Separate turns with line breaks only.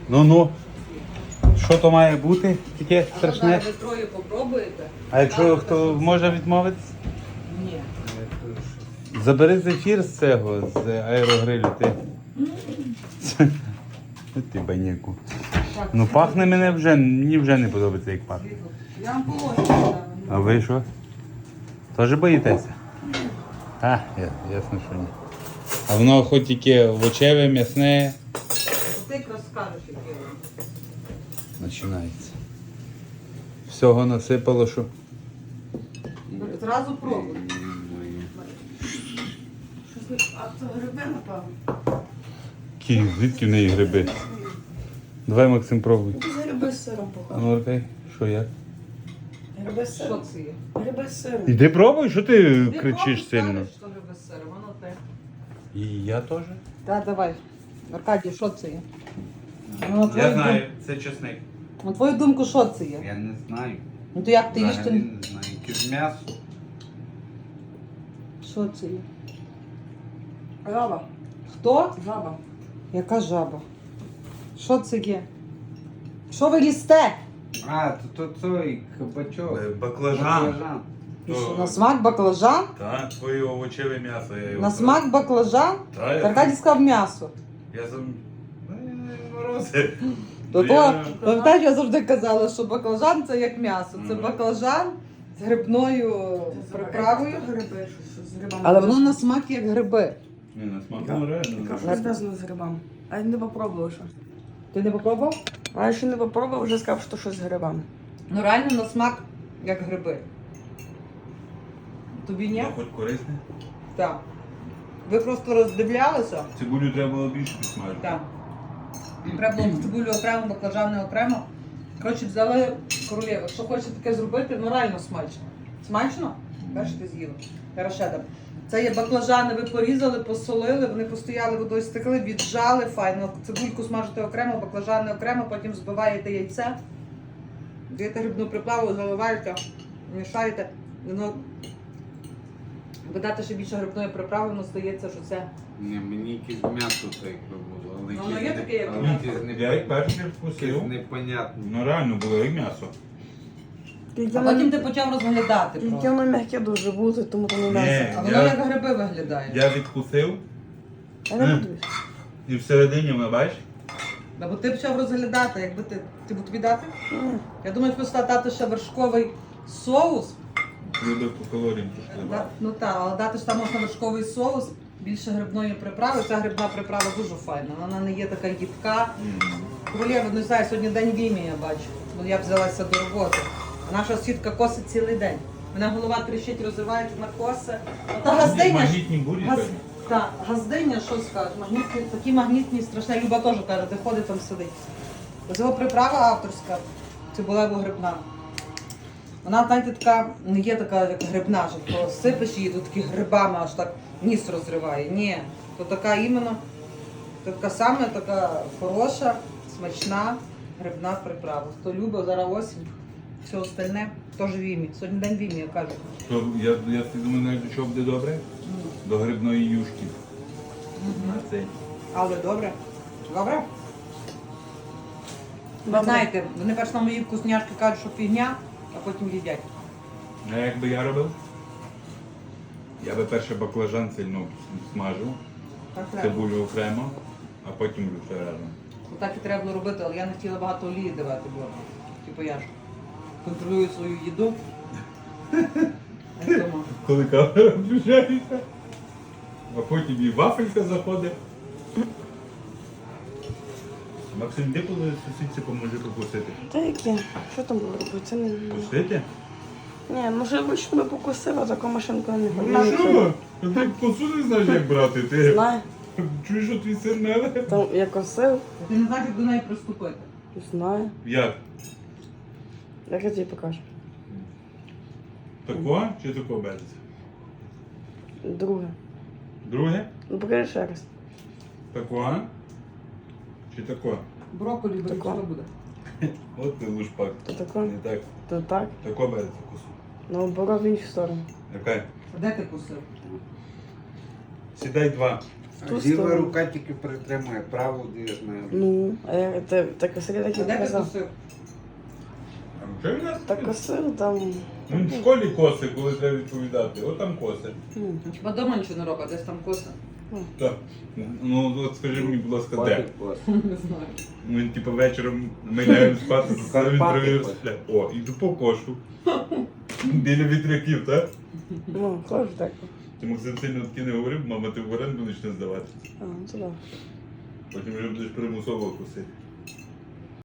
Ну. Що то має бути? Таке страшне?
Ви троє попробуєте?
А якщо хто може відмовитись?
Ні.
Забери зефір з цього, з аерогрилю. Ти баняку. Ну пахне мені вже не подобається, як пахне.
Я вам положу.
А ви що? Теж боїтеся? Ясно, що ні. А воно хоч тільки овочеве, м'ясне.
Ти якраз скажеш, яке воно.
Починається. Всього насипало, що.
Зразу пробуй. А це гриби, напевно?
Звідки в неї гриби? Давай, Максим, пробуй.
Гриби з сиром похоже.
Ну, окей. Що як?
Гриби з
Що
сиром.
це є?
Гриби з сиром.
Іди пробуй, що ти
Ти
кричиш
пробуй,
сильно.
скажеш, що гриби з сиром, воно те.
І я теж?
Так, давай. Аркадій, що це є?
це чесник.
На твою думку, що це є?
Я не знаю.
Ну то як ти їш, то...
Взагалі не знаю. Якесь м'ясо.
Що це є?
Жаба.
Хто?
Жаба.
Яка жаба? Що це є? Що ви їсте?
А, то той кабачок.
Баклажан.
І що, на смак баклажан?
Так, твоє овочеве м'ясо. Я його
На смак баклажан?
Так,
Аркадій сказав м'ясо.
я сам. Морози.
То пам'ятаєш, я завжди казала, що баклажан це як м'ясо. Це
Мгм.
баклажан з грибною приправою.
Гриби, що з грибами.
Але воно на смак як гриби.
Ні, на смак
Яка
реально.
що зв'язано з грибами. А я не попробував ще.
Ти не попробував?
А я ще не попробував, вже сказав, що щось з грибами.
Ну реально на смак як гриби. Тобі ні?
Хоч корисне.
Так. Ви просто роздивлялися?
Цибулю треба було більше підсмажити.
Так. Треба було цибулю окремо, баклажани окремо. Коротше, взяли королєву. Що хочете таке зробити, ну реально смачно. Смачно? Бачите, з'їли. Зараз ще дам. Це є баклажани, ви порізали, посолили, вони постояли, водою стекли, віджали, файно. Цибульку смажите окремо, баклажани окремо, потім збиваєте яйце, даєте грибну приправу, заливаєте, мішаєте. Воно додати ще більше грибної приправи, воно стається, що це.
Ні, мені якесь м'ясо так би було. Але
Ну, воно є таке, як
але
м'ясо.
якесь
Я як перший
якесь
вкусив.
непонятне.
Ну реально було як м'ясо.
А потім ти почав розглядати
Тільки
просто.
воно м'яке дуже буде, тому то не
Ні.
м'ясо.
А воно як гриби виглядає.
Я відкусив
Я не буду їсти.
і всередині, ми бачиш?
Бо ти почав розглядати, якби ти б тобі дати?
Ні.
Я думаю, просто дати ще вершковий соус.
Люди по калоріям трошки.
Ну так, але дати ж там можна вершковий соус, більше грибної приправи. Ця грибна приправа дуже файна. Вона не є така їдка. Королєва, не знаю, сьогодні день війни, я бачу. Бо я взялася до роботи. А наша сітка косить цілий день. Мене голова тріщить, розривається на коси. Та газдиня ж.
Магнітні бурі.
Так, газдиня, що скажеш, магнітні, такі магнітні, страшні. Люба теж каже, де ходить, там сидить. Ось його приправа авторська, цибулево-грибна. Вона, знаєте, така, не є така, як грибна, що то сипеш її, тут такі грибами аж так ніс розриває. Ні, то така іменно, то така саме така хороша, смачна грибна приправа. Хто любить, зараз осінь, все остальне, теж війні. Сьогодні день війни, я кажу.
То я думаю, навіть до чого буде добре? До грибної юшки. На цей.
Але добре. Добре? Ви
Добре.
знаєте, вони перш на мої вкусняшки кажуть, що фігня, а потім їдять.
А як би я робив? Я би перше баклажан сильно смажив,
Так треба.
цибулю окремо, а потім вже разом.
Так і треба було робити, але я не хотіла багато олії давати, бо типу я ж контролюю свою їду. А тому.
Коли камера включається, а потім і вафелька заходить. Максим, де коли сусідці поможи покусити?
Та яке? Що там було робити? Це не...
Кусити?
Ні, може вручну би покусила, таку машинку не
Ну
ходила.
що? Ти косу не знаєш, як брати. Ти
Знаю.
чуєш, що твій син меле?
Там я косив,
Ти не знаєш, як до неї приступити.
знаю.
Як?
Як я тобі покажу?
Тако чи тако береться?
Друге.
Друге?
Ну покажи ще раз.
Тако? Чи тако?
Брокколі беруть,
Тако.
що буде?
От ти лушпак.
То тако,
Не так.
то так.
Тако береться косу.
Наоборот в іншу сторону.
Яка?
Де ти кусив?
Сідай два.
ту
Ліва
сторону.
рука тільки притримує, праву я знаю.
Ну, а я так косили, так
А
і
де ти
показав.
кусив?
А що він нас?
Так косив там.
Він в школі коси, коли треба відповідати. От там коси.
Хіба дома нічого не робить, десь там коса.
Так. Ну от скажи мені, будь ласка, де?
Не знаю.
Він типу вечором ми лягаємо спати, він
Карпати
провів.
хоче.
О, іду по кошу. Біля вітряків, так?
Ну, хоже так.
Ти Максим сильно таки не говорив, мама, ти в оренду почне здавати.
А, ну туди.
Потім вже будеш примусово косити.